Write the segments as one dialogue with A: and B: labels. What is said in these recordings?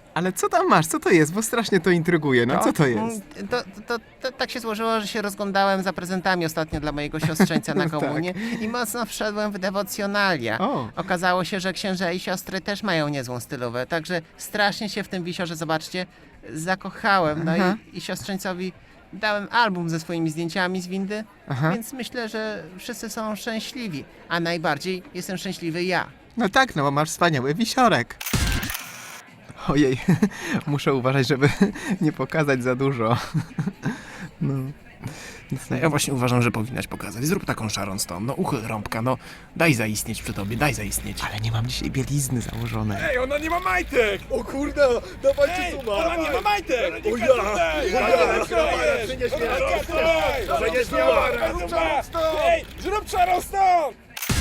A: Ale co tam masz? Co to jest? Bo strasznie to intryguje. No co to jest?
B: To tak się złożyło, że się rozglądałem za prezentami ostatnio dla mojego siostrzeńca na
A: Tak.
B: komunię i mocno wszedłem w dewocjonalia.
A: O.
B: Okazało się, że księża i siostry też mają niezłą stylówę, także strasznie się w tym wisiorze, zobaczcie, zakochałem. No
A: Aha.
B: i siostrzeńcowi dałem album ze swoimi zdjęciami z windy,
A: Aha.
B: więc myślę, że wszyscy są szczęśliwi, a najbardziej jestem szczęśliwy ja.
A: No tak, no bo masz wspaniały wisiorek. Ojej, muszę uważać, żeby nie pokazać za dużo. No.
C: No ja właśnie uważam, że powinnaś pokazać. Zrób taką Sharon Stone, no uchyl rąbka, no daj zaistnieć przy tobie, daj zaistnieć.
A: Ale nie mam dzisiaj bielizny założonej.
C: Ej, ona nie ma majtek!
D: O kurde, dawajcie suma!
C: Ona nie ma majtek!
D: O ja! Przynieś mi Przynieś mi
C: Ej, zrób Sharon Stone!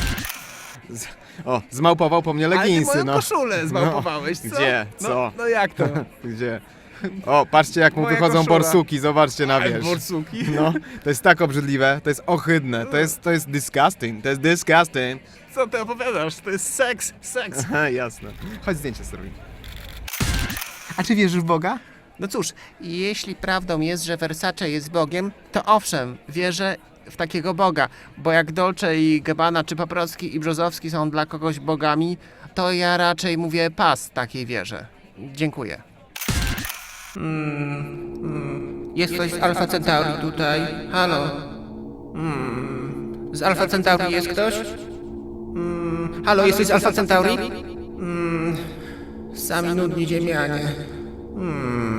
A: O, zmałpował po mnie leginsy,
C: moją
A: no.
C: koszulę zmałpowałeś, co?
A: Gdzie? Co?
C: No jak to?
A: Gdzie? O, patrzcie jak mu
C: Moja
A: wychodzą
C: koszula.
A: borsuki, zobaczcie na wierzch.
C: Borsuki?
A: No, to jest tak obrzydliwe, to jest ohydne, to jest disgusting, to jest disgusting.
C: Co ty opowiadasz? To jest seks.
A: Aha, jasne. Chodź zdjęcie zrobimy. A czy wierzysz w Boga?
B: No cóż, jeśli prawdą jest, że Versace jest Bogiem, to owszem, wierzę w takiego Boga, bo jak Dolce i Gabbana, czy Paprocki i Brzozowski są dla kogoś bogami, to ja raczej mówię pas takiej wierze. Dziękuję. Jest ktoś z Alpha Centauri tutaj? Halo? Z Alpha Centauri jest ktoś? Halo, jesteś z Alpha Centauri? Sami nudni ziemianie.